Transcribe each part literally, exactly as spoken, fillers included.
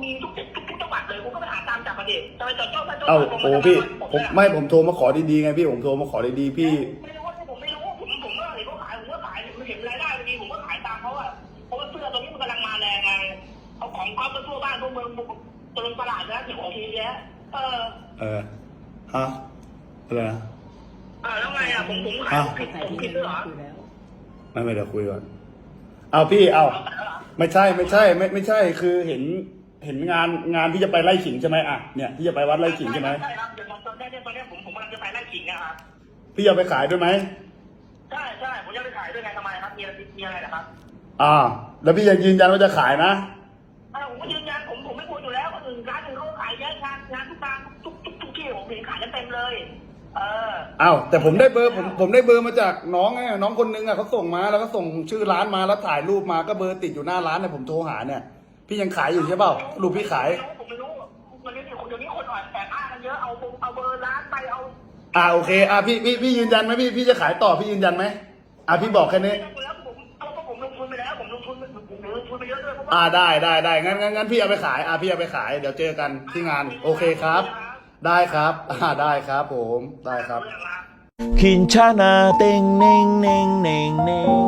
มีทุกทุกทุกจังหวัดเลยคุณก็ไปหาตามจับประเด็นจะไปจับเจ้าพระเจ้าเอ้าโอ้พี่ผมไม่ผมโทรมาขอดีๆไงพี่ผมโทรมาขอดีๆพี่ไม่รู้ว่าผมไม่รู้ผมผมก็เห็นเขาขายผมก็ขายผมเห็นรายได้ดีผมก็ขายตามเขาอะเพราะว่าเสื้อตรงนี้มันกำลังมาแรงไงเอาของก๊อฟไปทั่วบ้านทั่วเมืองตรงตลาดนะเดี๋ยวของทีเนี้ยเออเออฮะอะไรนะอ่าแล้วไงอ่ะผมผมขายผิดผมผิดด้วยเหรอไม่ไม่เดี๋ยวคุยก่อนเอาพี่เอาไม่ใช่ไม่ใช่ไม่ไม่ใช่คือเห็นเห็นงานงานที่จะไปไล่ขิงใช่ไหมอ่ะเนี่ยที่จะไปวัดไล่ขิงใช่ไหมใช่ครับเดี๋ยวตอนนี้ตอนนี้ผมผมกำลังจะไปไล่ขิงนะครับพี่จะไปขายด้วยไหมใช่ใช่ผมจะไปขายด้วยไงทำไมครับมีอะไรมีอะไรนะครับอ่า แล้วพี่ยังยืนยันว่าจะขายนะอ่าผมก็ยืนยันผมผมไม่ควรอยู่แล้วคนอื่นร้านอื่นเขาขายเยอะงานงานทุกงานทุกทุกทุกที่ผมเห็นขายกันเต็มเลย เอออ้าวแต่ผมได้เบอร์ผมผมได้เบอร์มาจากน้องไงน้องคนนึงอ่ะเขาส่งมาแล้วก็ส่งชื่อร้านมาแล้วถ่ายรูปมาก็เบอร์ติดอยู่หน้าร้านเนี่ยผมโทรหาเนี่ยพี่ยังขายอยู่ใช่เปล่ารูปพี่ขายผมไม่รู้มันเดี๋ยวคนเดี๋ยวนี้คนอ่อนแอบอ้างกันเยอะเอาเอาเบอร์ร้านไปเอาอ่าโอเคอ่าพี่พี่พี่ยืนยันไหมพี่พี่จะขายต่อพี่ยืนยันไหมอ่าพี่บอกแค่นี้แล้วผมเอาก็ผมลงทุนไปแล้วผมลงทุนผมลงทุนไปเยอะด้วยเพราะว่าอ่าได้ได้ได้งั้นงั้นงั้นพี่เอาไปขายอ่าพี่เอาไปขายเดี๋ยวเจอกันที่งานโอเคครับ ได้ครับอ่าได้ครับผมได้ครับ Kincana teng neng neng neng neng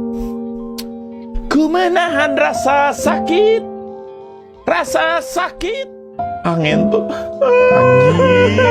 Ku menahan rasa sakit Rasa sakit Angin tuh Anjing